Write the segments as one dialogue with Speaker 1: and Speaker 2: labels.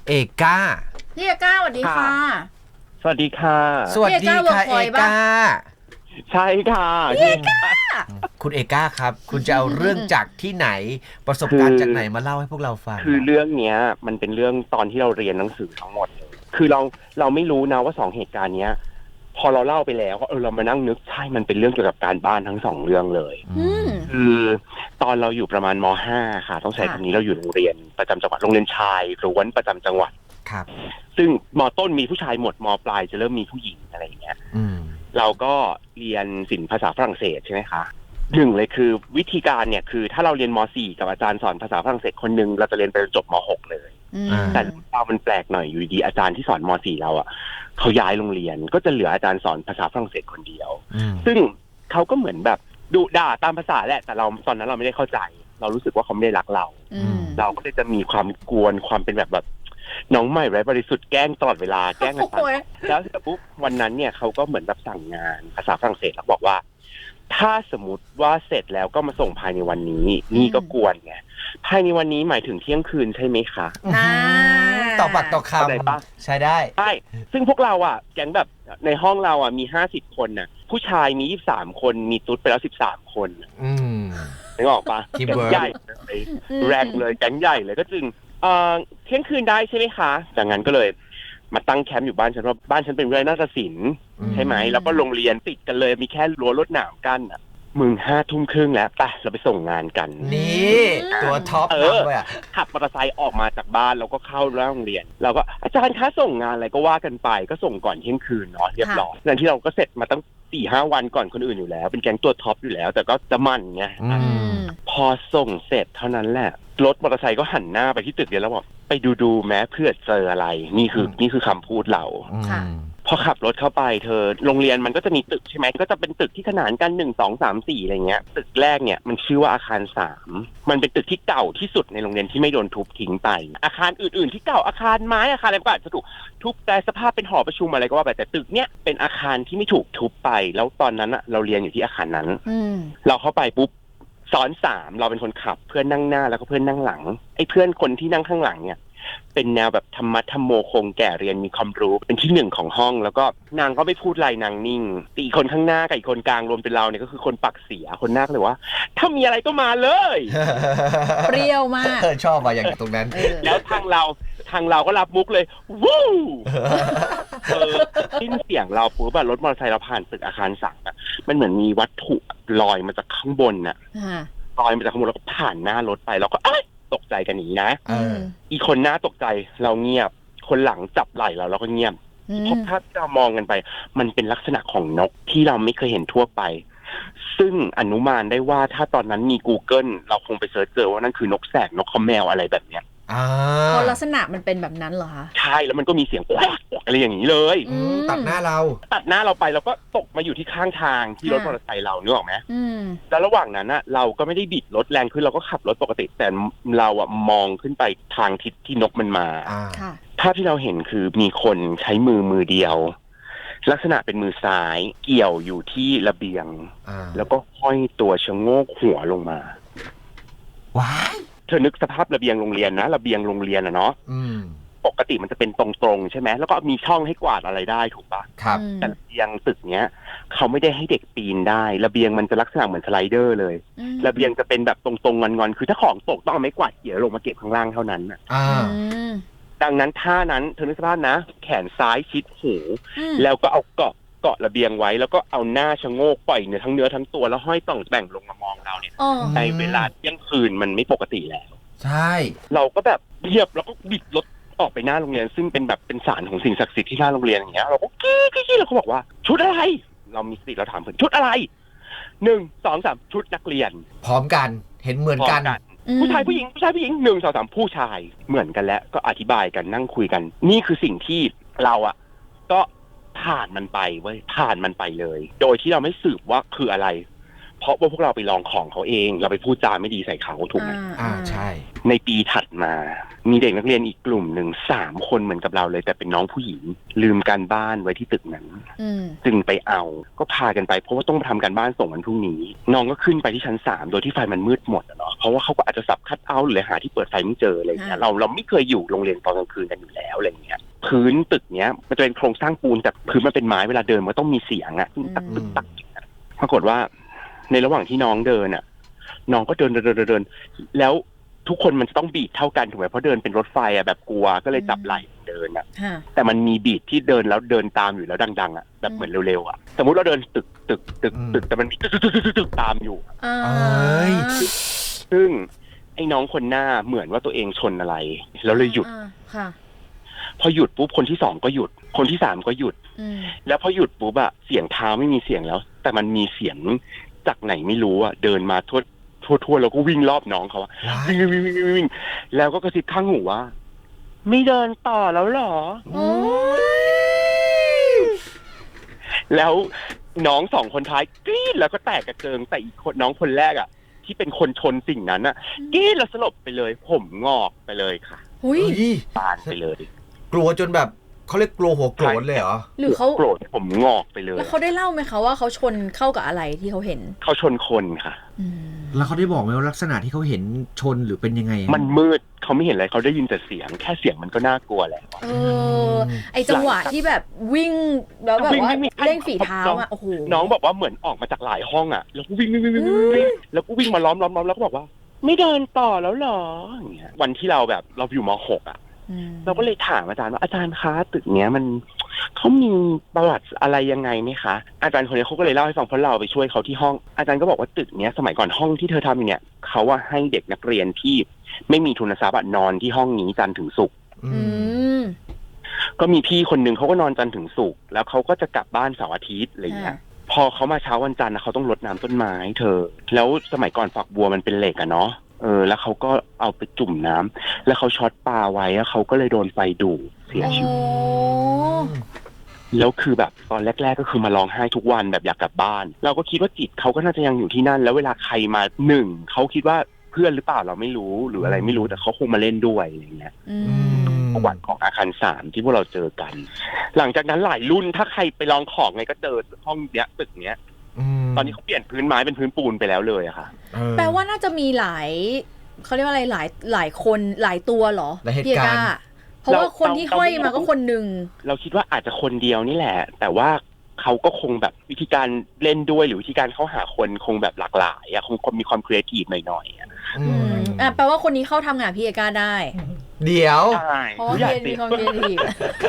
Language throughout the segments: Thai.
Speaker 1: เอก้า
Speaker 2: พี่เอก้าสวัสดีค่ะ
Speaker 3: สวัสดีค่ะ
Speaker 1: สวัสดีค่ะเอก้า
Speaker 3: ใช่ค่ะ
Speaker 2: พี่เอก้า
Speaker 1: คุณเอก้าครับคุณจะเอาเรื่องจากที่ไหนประสบการณ์จากไหนมาเล่าให้พวกเราฟัง
Speaker 3: คือเรื่องเนี้ยมันเป็นเรื่องตอนที่เราเรียนหนังสือทั้งหมดเลยคือเราไม่รู้นะว่า2เหตุการณ์เนี้ยพอเราเล่าไปแล้วก็เรามานั่งนึกใช่มันเป็นเรื่องเกี่ยวกับการบ้านทั้ง2เรื่องเลยคือตอนเราอยู่ประมาณม.5 ค่ะต้องใช้คำนี้เราอยู่โรงเรียนประจำจังหวัดโรงเรียนชายล้วนประจำจังหวัด
Speaker 1: ครับ
Speaker 3: ซึ่งม.ต้นมีผู้ชายหมดม.ปลายจะเริ่มมีผู้หญิงอะไรอย่างเงี้ยเราก็เรียนศิลป์ภาษาฝรั่งเศสใช่ไหมคะหนึ่งเลยคือวิธีการเนี่ยคือถ้าเราเรียนม.4 กับอาจารย์สอนภาษาฝรั่งเศสคนนึงเราจะเรียนไปจบม.6 เลยแต่เรามันแปลกหน่อยอยู่ดีอาจารย์ที่สอนม.4 เราอ่ะเขาย้ายโรงเรียนก็จะเหลืออาจารย์สอนภาษาฝรั่งเศสคนเดียวซึ่งเขาก็เหมือนแบบดุด่าตามภาษาแหละแต่เราตอนนั้นเราไม่ได้เข้าใจเรารู้สึกว่าเขาไม่ได้รักเราเราก็เลยจะมีความกวนความเป็นแบบน้องใหม่ไร้บริสุทธิ์แกล้งตลอดเวลาแกล้งกันแล้วปุ๊บวันนั้นเนี่ยเขาก็เหมือนแบบสั่งงานภาษาฝรั่งเศสแล้วบอกว่าถ้าสมมติว่าเสร็จแล้วก็มาส่งภายในวันนี้นี่ก็กวนไงภายในวันนี้หมายถึงเที่ยงคืนใช่ไหมคะ
Speaker 1: ต่อปากต่อคำใช่ได้
Speaker 3: ใช่ซึ่งพวกเราอ่ะแก๊งแบบในห้องเราอ่ะมี50 คนน่ะผู้ชายมี23 คนมีตุ๊ดไปแล้ว13 คนนึกออกปะแก๊งใหญ่เลยแรงเลยแก๊งใหญ่เลยก็จึงเที่ยงคืนได้ใช่ไหมคะจากนั้นก็เลยมาตั้งแคมป์อยู่บ้านฉันว่าบ้านฉันเป็นวิทยาลัยนาฏศิลป์ใช่ไหมแล้วก็โรงเรียนติดกันเลยมีแค่รั้วรวดหนามกั้นอ่ะมึง5 ทุ่มครึ่งแล้วไปเราไปส่งงานกัน
Speaker 1: นี่ตัวท็อปเลยอ่ะ
Speaker 3: ขับมอเตอร์ไซค์ออกมาจากบ้านเราก็เข้าโรงเรียนเราก็อาจารย์คะส่งงานอะไรก็ว่ากันไปก็ส่งก่อนเที่ยงคืนเนาะเรียบร้อยนั่นที่เราก็เสร็จมาตั้ง4-5 วันก่อนคนอื่นอยู่แล้วเป็นแก๊งตัวท็อปอยู่แล้วแต่ก็จะมั่นไงพอส่งเสร็จเท่านั้นแหละรถมอเตอร์ไซค์ก็หันหน้าไปที่ตึกเดียวแล้วบอกไปดูแม้เพื่อเจออะไรนี่คือคำพูดเราพอขับรถเข้าไปโรงเรียนมันก็จะมีตึกใช่ไหมก็จะเป็นตึกที่ขนานกัน1 2 3 4อะไรเงี้ยตึกแรกเนี่ยมันชื่อว่าอาคาร3มันเป็นตึกที่เก่าที่สุดในโรงเรียนที่ไม่โดนทุบทิ้งไปอาคารอื่นๆที่เก่าอาคารไม้อาคารอะไรก็อาจจะถูกทุบแต่สภาพเป็นหอประชุมอะไรก็ว่าไปแต่ตึกเนี้ยเป็นอาคารที่ไม่ถูกทุบไปแล้วตอนนั้นอะเราเรียนอยู่ที่อาคารนั้นเราเข้าไปปุ๊บซ้อน3เราเป็นคนขับเพื่อนนั่งหน้าแล้วก็เพื่อนนั่งหลังไอ้เพื่อนคนที่นั่งข้างหลังเนี่ยเป็นแนวแบบธรรมะธรรมโมคงแก่เรียนมีความรู้เป็นที่1ของห้องแล้วก็นางก็ไม่พูดอะไรนางนิ่งตีคนข้างหน้ากับอีกคนกลางรวมเป็นเราเนี่ยก็คือคนปากเสียคนหน้าเลยว่าถ้ามีอะไรก็มาเลย
Speaker 2: เปรี้ยวมาก
Speaker 1: ชอบมาอย่างตรงนั้น
Speaker 3: แล้วทางเราก็รับมุกเลยวู้สิ้นเสียงเราปุ๊บแบบรถมอเตอร์ไซค์เราผ่านตึกอาคาร3อ่ะมันเหมือนมีวัตถุลอยมาจากข้างบนน่ะลอยมาจากข้างบนแล้วก็ผ่านหน้ารถไปแล้วก็ตกใจกันหนีนะอีคนหน้าตกใจเราเงียบคนหลังจับไหล่เราก็เงียบเพราะถ้าเรามองกันไปมันเป็นลักษณะของนกที่เราไม่เคยเห็นทั่วไปซึ่งอนุมานได้ว่าถ้าตอนนั้นมี Google เราคงไปเสิร์ชเจอว่านั่นคือนกแสกนกขมแมวอะไรแบบเนี้ย
Speaker 2: เพราะลักษณะมันเป็นแบบนั้นเหรอคะ
Speaker 3: ใช่แล้วมันก็มีเสียงอะไรอย่างนี้เลย
Speaker 1: ตัดหน้าเรา
Speaker 3: ไปแล้วก็ตกมาอยู่ที่ข้างทางที่รถมอเตอร์ไซค์เรานึกออกไหมแล้วระหว่างนั้นน่ะเราก็ไม่ได้บิดรถแรงขึ้นเราก็ขับรถปกติแต่เราอะมองขึ้นไปทางทิศที่นกมันมาภาพที่เราเห็นคือมีคนใช้มือเดียวลักษณะเป็นมือซ้ายเกี่ยวอยู่ที่ระเบียงแล้วก็ห้อยตัวชะโงกหัวลงมา
Speaker 1: ว้าย
Speaker 3: เธอนึกสภาพระเบียงโรงเรียนนะระเบียงโรงเรียนอะเนาะปกติมันจะเป็นตรงๆใช่ไหมแล้วก็มีช่องให้กวาดอะไรได้ถูกปะ
Speaker 1: ครับ
Speaker 3: แต่ระเบียงตึกเนี้ยเขาไม่ได้ให้เด็กปีนได้ระเบียงมันจะลักษณะเหมือนสไลเดอร์เลยระเบียงจะเป็นแบบตรงๆงอนๆคือถ้าของตกต้องเอาไม้กวาดเกี่ยวลงมาเก็บข้างล่างเท่านั้นดังนั้นท่านั้นเธอนึกสภาพนะแขนซ้ายชิดหูแล้วก็เอาเกาะระเบียงไว้แล้วก็เอาหน้าชะโงกปล่อยเนื้อทั้งตัวแล้วห้อยต่องแต่งลงมามองเราเนี่ยในเวลาเที่ยงคืนมันไม่ปกติแล้ว
Speaker 1: ใช่
Speaker 3: เราก็แบบเงียบแล้วก็บิดรถออกไปหน้าโรงเรียนซึ่งเป็นแบบเป็นศาลของสิ่งศักดิ์สิทธิ์ที่หน้าโรงเรียนอย่างเงี้ยเราก็กี้เราก็บอกว่าชุดอะไรเรามีสติเราถามเพื่อนชุดอะไร1 2 3ชุดนักเรียน
Speaker 1: พร้อมกันเห็นเหมือนกัน
Speaker 3: ผู้ชายผู้หญิง1 2 3ผู้ชายเหมือนกันแล้วก็อธิบายกันนั่งคุยกันนี่คือสิ่งที่เราอะก็ผ่านมันไปเลยโดยที่เราไม่สืบว่าคืออะไรเพราะว่าพวกเราไปลองของเขาเองเราไปพูดจาไม่ดีใส่เขาถูกไหม
Speaker 1: ใช่
Speaker 3: ในปีถัดมามีเด็กนักเรียนอีกกลุ่มหนึ่ง3 คนเหมือนกับเราเลยแต่เป็นน้องผู้หญิงลืมการบ้านไว้ที่ตึกนั้นจึงไปเอาก็พากันไปเพราะว่าต้องทำการบ้านส่งวันพรุ่งนี้น้องก็ขึ้นไปที่ชั้น3โดยที่ไฟมันมืดหมดเนาะเพราะว่าเขาก็อาจจะสับคัทเอาท์หรือหาที่เปิดไฟไม่เจออะไรเงี้ยเราไม่เคยอยู่โรงเรียนตอนกลางคืนกันอยู่แล้วอะไรเงี้ยพื้นตึกเนี้ยมันจะเป็นโครงสร้างปูนแต่พื้นมันเป็นไม้เวลาเดินมันต้องมีเสียงตักตึกตักปรากฏว่าในระหว่างที่น้องเดินน้องก็เดินแล้วทุกคนมันจะต้องบีทเท่ากันถูกไหมเพราะเดินเป็นรถไฟแบบกลัวก็เลยจับไหล่เดินแต่มันมีบีทที่เดินแล้วเดินตามอยู่แล้วดังๆแบบเหมือนเร็วๆสมมุติเราเดินตึกแต่มันมีตึกตามอยู่ซึ่งไอ้น้องคนหน้าเหมือนว่าตัวเองชนอะไรแล้วเลยหยุดพอหยุดปุ๊บคนที่2ก็หยุดคนที่3ก็หยุดแล้วพอหยุดปุ๊บเสียงเท้าไม่มีเสียงแล้วแต่มันมีเสียงจากไหนไม่รู้เดินมาทั่วแล้วก็วิ่งรอบน้องเขาวิ่งแล้วก็กระซิบข้างหูว่าไม่เดินต่อแล้วหรอแล้วน้อง2 คนท้ายกรี๊ดแล้วก็แตกกระเจิงแต่อีกคนน้องคนแรกที่เป็นคนชนสิ่งนั้นกรี๊ดแล้วสลบไปเลยผมงอกไปเลยค่ะบานไปเลย
Speaker 1: กลัวจนแบบเขาเรียกกลัวหัวโกรธเลยเหรอ
Speaker 2: หรือเขา
Speaker 3: โกรธผมงอกไปเลย
Speaker 2: แล้วเขาได้เล่าไหมคะว่าเขาชนเข้ากับอะไรที่เขาเห็น
Speaker 3: เขาชนคนค่ะ
Speaker 1: แล้วเขาได้บอกไหมว่าลักษณะที่เขาเห็นชนหรือเป็นยังไง
Speaker 3: มันมืดเขาไม่เห็นอะไรเขาได้ยินแต่เสียงแค่เสียงมันก็น่ากลัวแล้ว
Speaker 2: ไอจังหวะที่แบบวิ่งแล้วแบบว่าเร่งฝีเท้าโอ้โห
Speaker 3: น้องบอกว่าเหมือนออกมาจากหลายห้องแล้วก็วิ่งแล้วก็วิ่งมาล้อมแล้วก็บอกว่าไม่เดินต่อแล้วหรออย่างเงี้ยวันที่เราอยู่ม.6เราก็เลยถามอาจารย์ว่าอาจารย์คะตึกเนี้ยมันเขามีประวัติอะไรยังไงไหมคะอาจารย์คนนี้เขาก็เลยเล่าให้ฟังเพราะเราไปช่วยเขาที่ห้องอาจารย์ก็บอกว่าตึกเนี้ยสมัยก่อนห้องที่เธอทำเนี่ยเขาว่าให้เด็กนักเรียนที่ไม่มีทุนทรัพย์นอนที่ห้องนี้จันทร์ถึงศุกร์ก็มีพี่คนนึงเขาก็นอนจันทร์ถึงศุกร์แล้วเขาก็จะกลับบ้านเสาร์อาทิตย์อะไรเงี้ยพอเขามาเช้าวันจันทร์เขาต้องรดน้ำต้นไม้เธอแล้วสมัยก่อนฝักบัวมันเป็นเหล็กเนาะแล้วเขาก็เอาไปจุ่มน้ำแล้วเขาช็อตปลาไว้แล้วเขาก็เลยโดนไฟดูดเสียชีวิตแล้วคือแบบตอนแรกๆก็คือมาร้องไห้ทุกวันแบบอยากกลับบ้านเราก็คิดว่าจิตเขาก็น่าจะยังอยู่ที่นั่นแล้วเวลาใครมาเขาคิดว่าเพื่อนหรือเปล่าเราไม่รู้หรืออะไรไม่รู้แต่เขาคงมาเล่นด้วยอย่างเงี้ยประวัติของอาคาร3ที่พวกเราเจอกันหลังจากนั้นหลายรุ่นถ้าใครไปลองของไงก็เจอห้องเนี้ยตึกเนี้ยตอนนี้เขาเปลี่ยนพื้นไม้เป็นพื้นปูนไปแล้วเลยค่ะ
Speaker 2: แปลว่าน่าจะมีหลายเขาเรียกว่าอะไรหลายคนหลายตัวเหรอ
Speaker 1: เหตุการณ์
Speaker 2: เพราะว่าคนที่ห้อยมาก็คนหนึ่ง
Speaker 3: เราคิดว่าอาจจะคนเดียวนี่แหละแต่ว่าเขาก็คงแบบวิธีการเล่นด้วยหรือวิธีการเข้าหาคนคงแบบหลากหลายคงมีความครีเอทีฟหน่อย
Speaker 2: แปลว่าคนนี้เข้าทำงานพี่เอก้าได้
Speaker 1: เดี๋ยว
Speaker 2: เพราะเรียนมีความครีเอทีฟ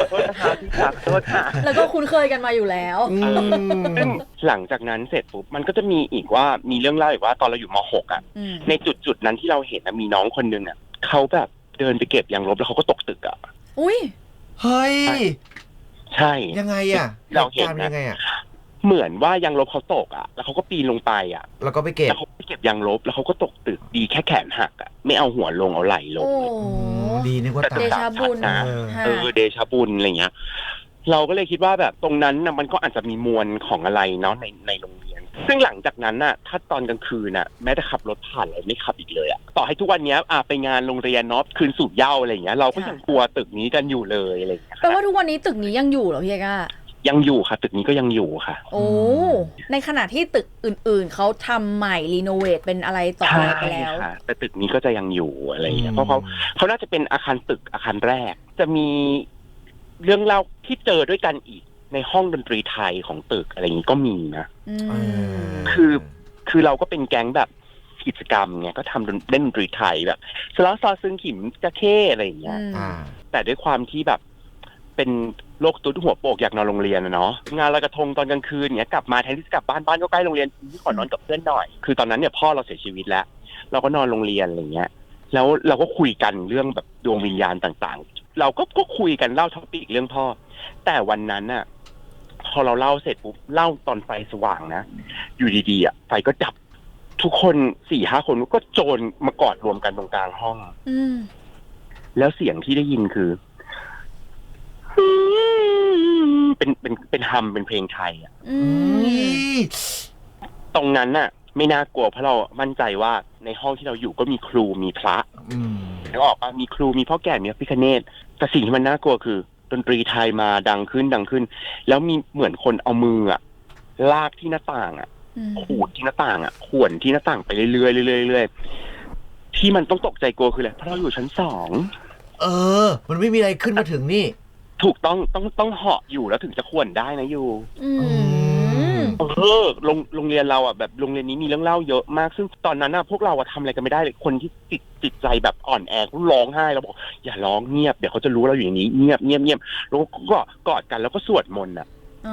Speaker 2: แล้วก็คุ้นเคยกันมาอยู่แล้ว
Speaker 3: ซึ่งหลังจากนั้นเสร็จปุ๊บมันก็จะมีอีกว่ามีเรื่องเล่าอีกว่าตอนเราอยู่ม.6ในจุดนั้นที่เราเห็นมีน้องคนนึงเขาแบบเดินไปเก็บยางลบแล้วเขาก็ตกตึก
Speaker 2: อุ้ย
Speaker 1: เฮ้ย
Speaker 3: ใช่
Speaker 1: ยังไง
Speaker 3: เราเห็น
Speaker 1: ยังไง
Speaker 3: เหมือนว่ายางลบเขาตกแล้วเขาก็ปีนลงไป
Speaker 1: แล้วก็ไปเก็บ
Speaker 3: แล้วเขาไปเก็บยางลบแล้วเขาก็ตกตึกดีแค่แขนหักไม่เอาหัวลงเอาไหล่ลง
Speaker 1: ดีนึกว่า
Speaker 2: เดชาบุญ
Speaker 3: นะเดชาบุญอะไรเงี้ยเราก็เลยคิดว่าแบบตรงนั้นมันก็อาจจะมีมวลของอะไรเนาะในโรงเรียนซึ่งหลังจากนั้นถ้าตอนกลางคืนแม้แต่ขับรถผ่านเราไม่ขับอีกเลยต่อให้ทุกวันนี้ไปงานโรงเรียนเนาะคืนสูบเหล้าอะไรเงี้ยเราก็ยังกลัวตึกนี้กันอยู่เลยอะไรเงี้ย
Speaker 2: แปลว่าทุกวันนี้ตึกนี้ยังอยู่เหรอพี่เอก้า
Speaker 3: ยังอยู่ค่ะตึกนี้ก็ยังอยู่ค่ะ
Speaker 2: โอ้ในขณะที่ตึกอื่นๆเขาทำใหม่รีโนเวทเป็นอะไรต่ออะไรไปแล้ว
Speaker 3: แต่ตึกนี้ก็จะยังอยู่อะไรอย่างเงี้ยเพราะเขาน่าจะเป็นอาคารตึกอาคารแรกจะมีเรื่องเล่าที่เจอด้วยกันอีกในห้องดนตรีไทยของตึกอะไรอย่างงี้ก็มีนะคือเราก็เป็นแก๊งแบบกิจกรรมไงก็ทำเล่นดนตรีไทยแบบสล้อซอซึ่งขิมจะเข้อะไรอย่างเงี้ยแต่ด้วยความที่แบบเป็นโรคตุ๊ดหัวโปกอยากนอนโรงเรียนเนาะงานลอยกระทงตอนกลางคืนเนี้ยกลับมาแทนที่จะกลับบ้านก็ใกล้โรงเรียนขอนอนกับเพื่อนหน่อยคือตอนนั้นเนี่ยพ่อเราเสียชีวิตแล้วเราก็นอนโรงเรียนอะไรเงี้ยแล้วเราก็คุยกันเรื่องแบบดวงวิญญาณต่างๆเราก็คุยกันเล่าท็อปิกเรื่องพ่อแต่วันนั้นพอเราเล่าเสร็จปุ๊บเล่าตอนไฟสว่างนะอยู่ดีๆไฟก็ดับทุกคน 4-5 คนก็โจรมากอดรวมกันตรงกลางห้องแล้วเสียงที่ได้ยินคือเป็นฮัมเป็นเพลงไทยตรงนั้นไม่น่ากลัวเพราะเรามั่นใจว่าในห้องที่เราอยู่ก็มีครูมีพระนึกออกปะมีครูมีพ่อแก่มีพระพิฆเนศแต่สิ่งที่มันน่ากลัวคือดนตรีไทยมาดังขึ้น แล้วมีเหมือนคนเอามืออะลากที่หน้าต่างอะขูดที่หน้าต่างอะข่วนที่หน้าต่างไปเรื่อยๆเรื่อยๆที่มันต้องตกใจกลัวคืออะไรเพราะเราอยู่ชั้น2
Speaker 1: มันไม่มีอะไรขึ้นมาถึงนี่
Speaker 3: ถูกต้องเหาะอยู่แล้วถึงจะข่วนได้นะอยู่โรงเรียนเราอ่ะแบบโรงเรียนนี้มีเรื่องเล่าเยอะมากซึ่งตอนนั้นน่ะพวกเราทำอะไรกันไม่ได้เลยคนที่ติดใจแบบอ่อนแอเขาร้องไห้แล้วบอกอย่าร้องเงียบเดี๋ยวเขาจะรู้เราอยู่อย่างนี้เงียบแล้วก็กอดกันแล้วก็สวดมนต์อ่ะ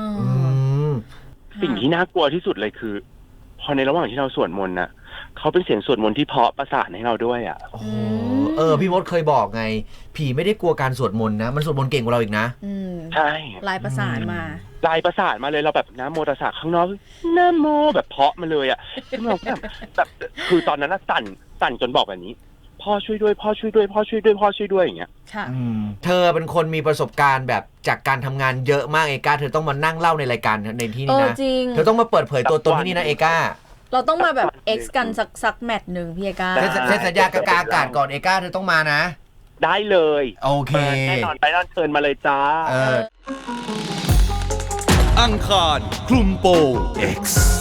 Speaker 3: สิ่งที่น่ากลัวที่สุดเลยคือพอในระหว่างที่เราสวดมนต์น่ะเขาเป็นเสียงสวดมนต์ที่เพราะประสานให้เราด้วยอ่ะ
Speaker 1: พี่มดเคยบอกไงผีไม่ได้กลัวการสวดมนต์นะมันสวดมนต์เก่งกว่าเราอีกนะ
Speaker 3: ใช่
Speaker 2: ลายประสานมา
Speaker 3: เลยเราแบบนะโมตัสสะข้างนอกนะโมแบบเพาะมาเลยอ่ะซึ่งเราแบบคือตอนนั้นสั่นจนบอกแบบนี้พ่อช่วยด้วยพ่อช่วยด้วยพ่อช่วยด้วยพ่อช่วยด้วยอย่างเงี้ย
Speaker 2: ค่ะ
Speaker 1: เธอเป็นคนมีประสบการณ์แบบจากการทำงานเยอะมากเอกาเธอต้องมานั่งเล่าในรายการในที่นี้นะเธอต้องมาเปิดเผยตัวตนที่นี่นะเอกา
Speaker 2: เราต้องมาแบบ X กันสักแมตช์หนึ่งพี่เอกา
Speaker 1: เซ็นสัญญากลางอากาศก่อนเอกาเธอต้องมานะ
Speaker 3: ได้เลย
Speaker 1: โอเค
Speaker 3: แน่นอนไปนอนเชิญมาเลยจ้า
Speaker 4: อังคารคลุมโปง X